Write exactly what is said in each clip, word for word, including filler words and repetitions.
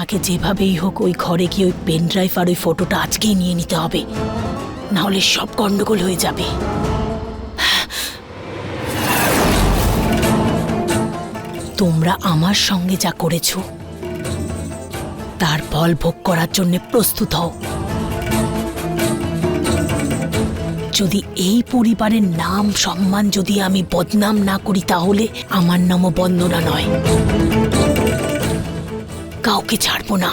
আমাকে যেভাবেই হোক ওই ঘরে গিয়ে ওই পেন ড্রাইভ আর ওই ফটোটা আজকেই নিয়ে নিতে হবে, না হলে সব গন্ডগোল হয়ে যাবে। তোমরা আমার সঙ্গে যা করেছো তার ফল ভোগ করার জন্য প্রস্তুত হও। যদি এই পরিবারের নাম সম্মান যদি আমি বদনাম না করি তাহলে আমার নামও বন্দনা নয়, কাউকে ছাড়বো না।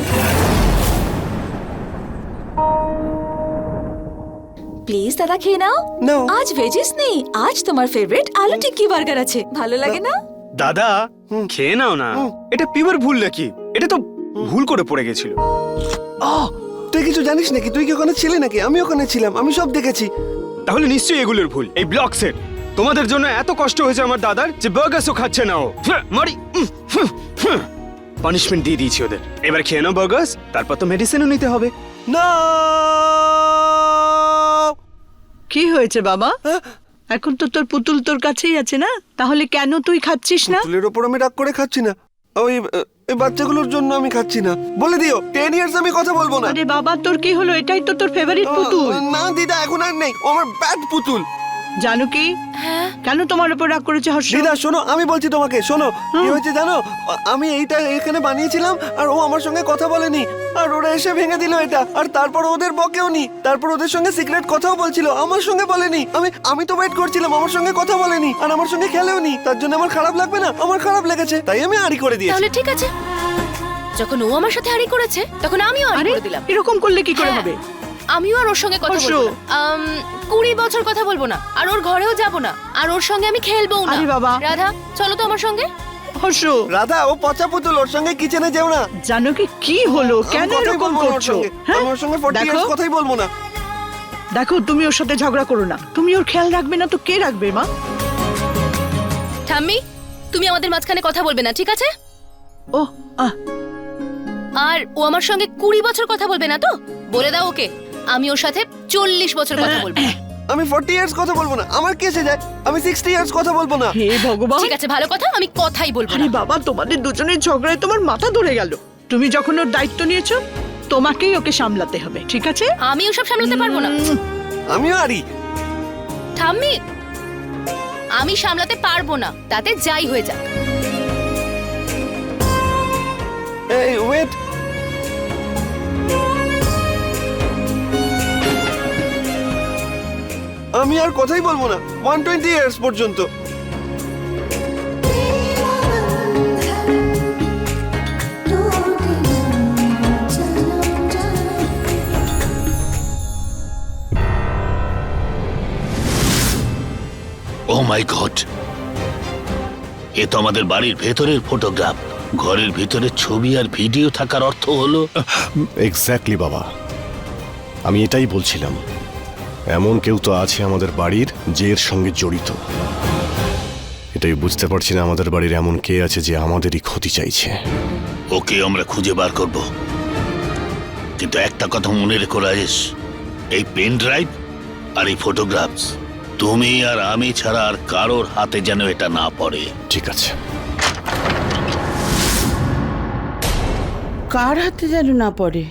প্লিজ দাদা খেয়ে নাও। No. আজ ভেজিস নেই, আজ তোমার ফেভারিট আলু টিক্কি বার্গার আছে, ভালো লাগে না? দাদা খেয়ে নাও না, এটা পিওর ভুল নাকি? এটা তো ভুল করে পড়ে গেছিল। আহ, তুই কিছু জানিস নাকি? তুই কি ওখানে ছিলি নাকি? আমি ওখানে ছিলাম, আমি সব দেখেছি। তাহলে নিশ্চয়ই এগুলোর ভুল। এই ব্লক সেট তোমাদের জন্য এত কষ্ট হয়েছে আমার দাদার যে বার্গারও খাচ্ছে না ও। ফ্যাঁ, মারি পানিশমেন্ট দিয়ে দিয়েছি ওদের। এবার খেয়ে নাও বার্গার্স, তারপর তো মেডিসিনও নিতে হবে। না, কি হয়েছে বাবা? এখন তো তোর পুতুল তোর কাছেই আছে না, তাহলে কেন তুই খাচ্ছিস না? পুতুলের ওপর আমি রাগ করে খাচ্ছি না, ওই এই বাচ্চাগুলোর জন্য আমি খাচ্ছি না। বলে দিও টেন ইয়ার্স আমি কথা বলবো না। আরে বাবা, তোর কি হলো? এটাই তো তোর ফেভারিট পুতুল। না দিদা, এখন আর নেই, ও আমার ব্যাড পুতুল। জানো কি, কেন তোমার উপর রাগ করেছে হর্ষ? দিদা শোনো, আমি বলছি তোমাকে, শোনো কি হয়েছে জানো? আমি এইটা এখানে বানিয়েছিলাম আর ও আমার সঙ্গে কথা বলেনি, আর ওরা এসে ভেঙে দিল এটা, আর তারপর ওদের বকেও নি, তারপর ওদের সঙ্গে সিক্রেট কথাও বলছিল, আমার সঙ্গে বলেনি। আমি আমি তো ওয়েট করছিলাম, আমার সঙ্গে কথা বলেনি আর আমার সঙ্গে খেলেও নি, তার জন্য আমার খারাপ লাগবে না? আমার খারাপ লেগেছে, তাই আমি আড়ি করে দিয়েছি। তাহলে ঠিক আছে, যখন ও আমার সাথে আড়ি করেছে তখন আমিও আড়ি আরে করে দিলাম। এরকম করলে কি করে হ্যাঁ। হবে? আমিও আর ওর সঙ্গে কথা হর্ষ। বলবো না। আম, কুড়ি বছর কথা বলবো না, আর ওর ঘরেও যাব না, আর ওর সঙ্গে আমি খেলবও না। আরে বাবা। রাধা চলো তো আমার সঙ্গে। হর্ষ, রাধা, ও পচা পুতুল, ওর সঙ্গে কিচেনে যেও না। জানো কি কি হলো? আমি কেন কথাই এরকম বলবো না ওর করছো? সঙ্গে। হ্যাঁ? আমি ওর সঙ্গে ফর্টি দেখো, ইয়ার্স কথাই বলবো না। দেখো তুমি ওর সাথে ঝগড়া করো না। তুমি ওর খেয়াল রাখবে না তো কে রাখবে মা? ঠাম্মি, তুমি আমাদের মাঝখানে কথা বলবে না, ঠিক আছে? ও আহ আর ও আমার সঙ্গে কুড়ি বছর কথা বলবে না তো? বলে দাও ওকে, আমি ওর সাথে চল্লিশ বছর কথা বলবো। আমি ফর্টি ইয়ার্স কথা বলবো না, আমার কি এসে যায়? আমি সিক্সটি ইয়ার্স কথা বলবো না। হে ভগবান। ঠিক আছে, ভালো কথা, আমি কথাই বলবো আরে না। বাবা, তোমাদের দুজনের ঝগড়ায় তোমার মাথা ধরে গেল। তুমি যখন ওর দায়িত্ব নিয়েছো, তোমাকেই ওকে সামলাতে হবে, ঠিক আছে? আমি ওসব সামলাতে পারবো না। উম, আমিও আড়ি। ঠাম্মি, আমি সামলাতে পারবো না, তাতে যাই হয়ে যাক। এই ওয়েট, আমি আর কথাই বলবো না ওয়ান টোয়েন্টি ইয়ার্স পর্যন্ত। ও মাই গড, এ তো আমাদের বাড়ির ভেতরের ফটোগ্রাফ। ঘরের ভিতরে ছবি আর ভিডিও থাকার অর্থ হলো এক্স্যাক্টলি বাবা, আমি এটাই বলছিলাম। এমন কেউ তো আছে আমাদের বাড়ির যে এর সঙ্গে জড়িত। এটাই বুঝতে পারছি না আমাদের বাড়ির এমন কে আছে যে আমাদেরই ক্ষতি চাইছে। ওকে আমরা খুঁজে বার করব, কিন্তু একটা কথা মনে রেখো রাজেশ, এই পেন ড্রাইভ আর এই ফটোগ্রাফস তুমি আর আমি ছাড়া আর কারোর হাতে যেন এটা না পড়ে। ঠিক আছে। কার হাতে যেন না পড়ে?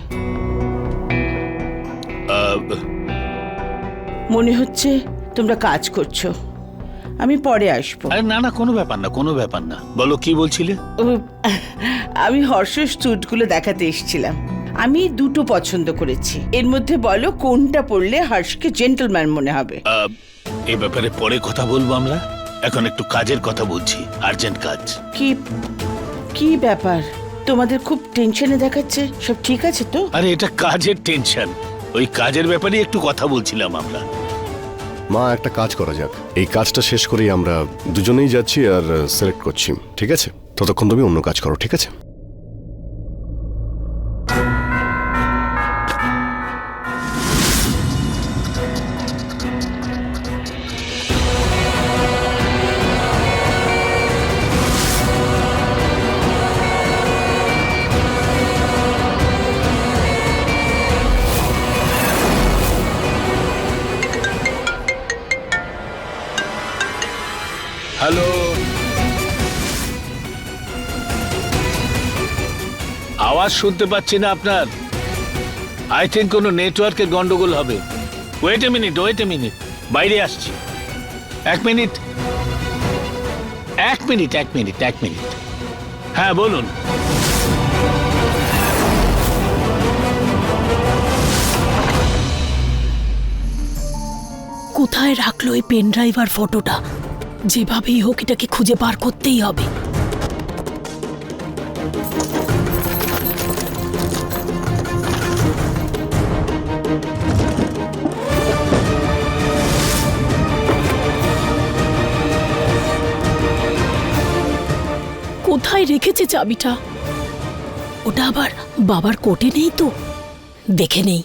আহ, মনে হচ্ছে তোমরা কাজ করছো, আমি পরে আসবো। আরে না না, কোনো ব্যাপার না, কোনো ব্যাপার না। বলো কি বলছিলে? ও, আমি হর্ষের স্যুটগুলো দেখাতে এসেছিলাম। আমি দুটো পছন্দ করেছি, এর মধ্যে বলো কোনটা পরলে হর্ষকে জেন্টলম্যান মনে হবে। আহ, এ ব্যাপারে পরে কথা বলবো আমরা, এখন একটু কাজের কথা বলছি, আর্জেন্ট কাজ। কি কি ব্যাপার, তোমাদের খুব টেনশনে দেখাচ্ছে, সব ঠিক আছে তো? আরে এটা কাজের টেনশন, ওই কাজের ব্যাপারে একটু কথা বলছিলাম আমরা। মা, একটা কাজ করা যাক, এই কাজটা শেষ করেই আমরা দুজনেই যাচ্ছি আর সিলেক্ট করছি, ঠিক আছে? ততক্ষণ তুমি অন্য কাজ করো, ঠিক আছে? হ্যালো, আওয়াজ শুনতে পাচ্ছি না আপনার। আই থিঙ্ক কোনো নেটওয়ার্কের গন্ডগোল হবে। Wait a minute, wait a minute, বাইরে আসছি। এক মিনিট, এক মিনিট, এক মিনিট, এক মিনিট। হ্যাঁ বলুন। কোথায় রাখলো এই পেন ড্রাইভ আর ফটোটা? যেভাবেই হোক এটাকে খুঁজে বার করতেই হবে। কোথায় রেখেছে চাবিটা? ওটা আবার বাবার কোটে নেই তো? দেখে নেই।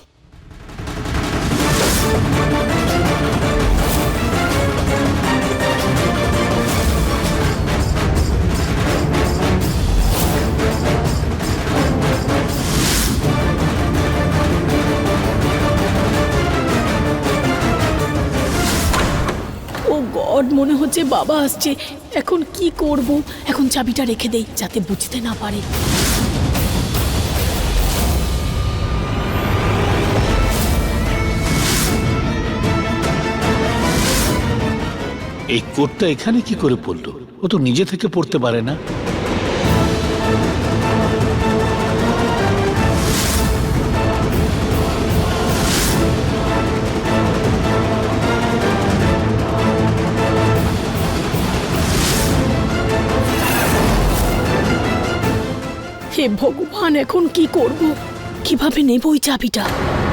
ও গড, মনে হচ্ছে বাবা আসছে। এখন কি করব? এখন চাবিটা রেখে দেই যাতে বুঝতে না পারে। এই কোডটা এখানে কি করে পড়লো? ও তো নিজে থেকে পড়তে পারে না। হে ভগবান, এখন কি করব? কিভাবে নেব ওই চাবিটা?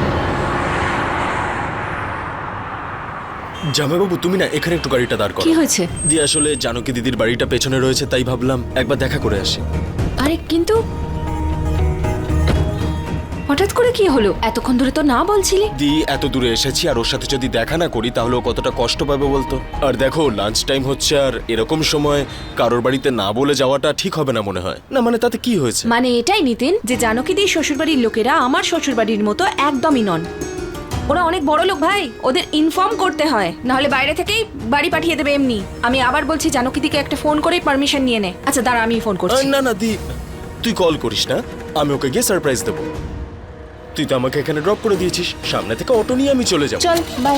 জামাইবাবু, তুমি না এখানে একটু গাড়িটা দাঁড় করো। কি হয়েছে? দি আসলে জানকী দিদির বাড়িটা পেছনে রয়েছে, তাই ভাবলাম একবার দেখা করে আসি। আরে কিন্তু হঠাৎ করে কি হলো? এতক্ষণ ধরে তো না বলছিলে। দি এত দূরে এসেছি আর ওর সাথে যদি দেখা না করি তাহলে ও কতটা কষ্ট পাবে বলতো। আর দেখো লাঞ্চ টাইম হচ্ছে, আর এরকম সময় কারোর বাড়িতে না বলে যাওয়াটা ঠিক হবে না মনে হয়। না মানে তাতে কি হয়েছে? মানে এটাই নিতেন যে জানকী দিদির শ্বশুরবাড়ির লোকেরা আমার শ্বশুরবাড়ির মতো একদমই নন। ওরা অনেক বড় লোক ভাই, ওদের ইনফর্ম করতে হয়, নাহলে বাইরে থেকেই বাড়ি পাঠিয়ে দেবে এমনি। আমি আবার বলছি জানকী দিদিকে একটা ফোন করে পারমিশন নিয়ে নে। আচ্ছা দাঁড়া, আমি ফোন করছি। না না দি, তুই কল করিস না, আমি ওকে গিয়ে সারপ্রাইজ দেবো। তুই তো আমাকে এখানে ড্রপ করে দিয়েছিস, সামনে থেকে অটো নিয়ে আমি চলে যাবো। চল বাই।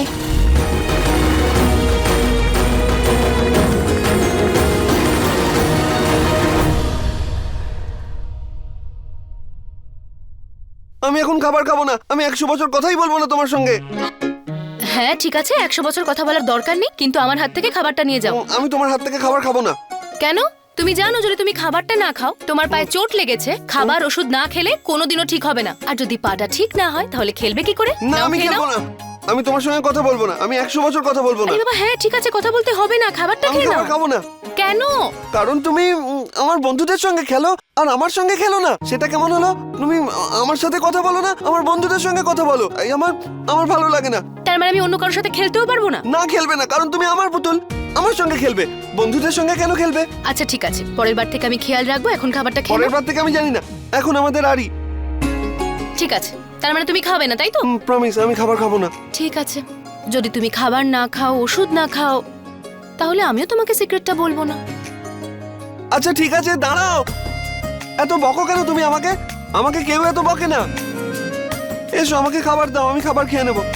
আমি এখন খাবার খাবো না। আমি একশো বছর কথাই বলবো না তোমার সঙ্গে। হ্যাঁ ঠিক আছে, একশো বছর কথা বলার দরকার নেই, কিন্তু আমার হাত থেকে খাবারটা নিয়ে যাও। উম, আমি তোমার হাত থেকে খাবার খাবো না। কেন? তুমি জানো যদি তুমি খাবারটা না খাও তোমার পায়ে চোট লেগেছে, খাবার ওষুধ না খেলে কোনোদিনও ঠিক হবে না। আর যদি পাটা ঠিক না হয় তাহলে খেলবে কি করে? না নাও, আমি খেয়ে খেলবো নাও। না। আমি তোমার সঙ্গে কথা বলবো না। আমি একশো বছর কথা বলবো না। আরে বাবা, হ্যাঁ ঠিক আছে, কথা বলতে হবে না, খাবারটা আমি খেয়ে নাও। খাবার খাবো না। কেন? কারণ তুমি উম, আমার বন্ধুদের সঙ্গে খেলো আর আমার সঙ্গে খেলো না। সেটা কেমন হলো? তুমি আ- আমার সাথে কথা বলো না, আমার বন্ধুদের সঙ্গে কথা বলো। এই আমার আমার ভালো লাগে না। তার মানে আমি অন্য কারোর সাথে খেলতেও পারবো না? না খেলবে না, কারণ তুমি আমার পুতুল, আমার সঙ্গে খেলবে। বন্ধুদের সঙ্গে কেন খেলবে? আচ্ছা ঠিক আছে, পরের বার থেকে আমি খেয়াল রাখবো। এখন খাবারটা খেয়ে পরের নাও। বার থেকে আমি জানি না, এখন আমাদের আরই। ঠিক আছে, তার মানে তুমি খাবে না তাই তো? প্রমিস, আমি খাবার খাবো না। ঠিক আছে, যদি তুমি খাবার না খাও, ওষুধ না খাও, তাহলে আমিও তোমাকে সিক্রেটটা বলবো না। আচ্ছা ঠিক আছে, দাঁড়াও। এত বকো কেন তুমি আমাকে? আমাকে কেউ এত বকে না। এসো, আমাকে খাবার দাও, আমি খাবার খেয়ে নেব।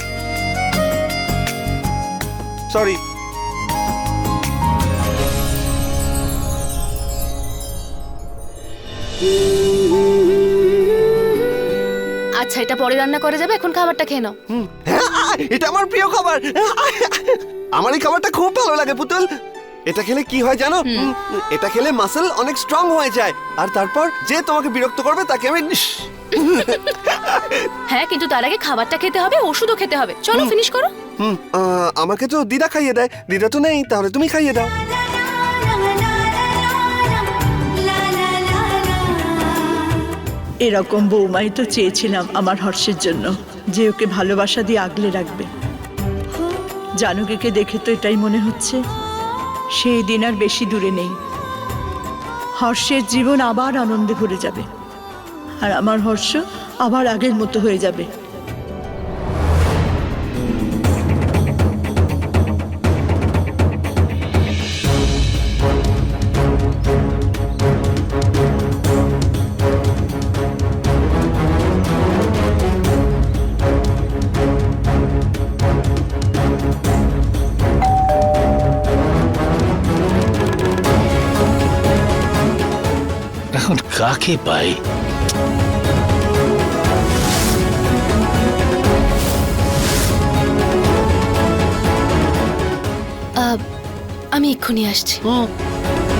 সরি। আচ্ছা এটা পরে রান্না করা যাবে, এখন খাবারটা খেয়ে নাও। হুম, হ্যাঁ, এটা আমার প্রিয় খাবার। আমার এই খাবারটা খুব ভালো লাগে পুতুল। এটা খেলে কি হয় জানো? হুম, এটা খেলে মাসল অনেক স্ট্রং হয়ে যায়। আর তারপর যে তোমাকে বিরক্ত করবে তাকে আমি হ্যাঁ, কিন্তু তার আগে খাবারটা খেতে হবে, ওষুধও খেতে হবে। চলো ফিনিশ করো। হুম, আহ, আমাকে তো দিদা খাইয়ে দেয়। দিদা তো নেই, তাহলে তুমি খাইয়ে দাও। এরকম বৌমাই তো চেয়েছিলাম আমার হর্ষের জন্য, যে ওকে ভালোবাসা দিয়ে আগলে রাখবে। জানকীকে দেখে তো এটাই মনে হচ্ছে সেই দিন আর বেশি দূরে নেই। হর্ষের জীবন আবার আনন্দে ভরে যাবে, আর আমার হর্ষ আবার আগের মতো হয়ে যাবে। কাকে পাই? আহ, আমি এক্ষুনি আসছি। হুম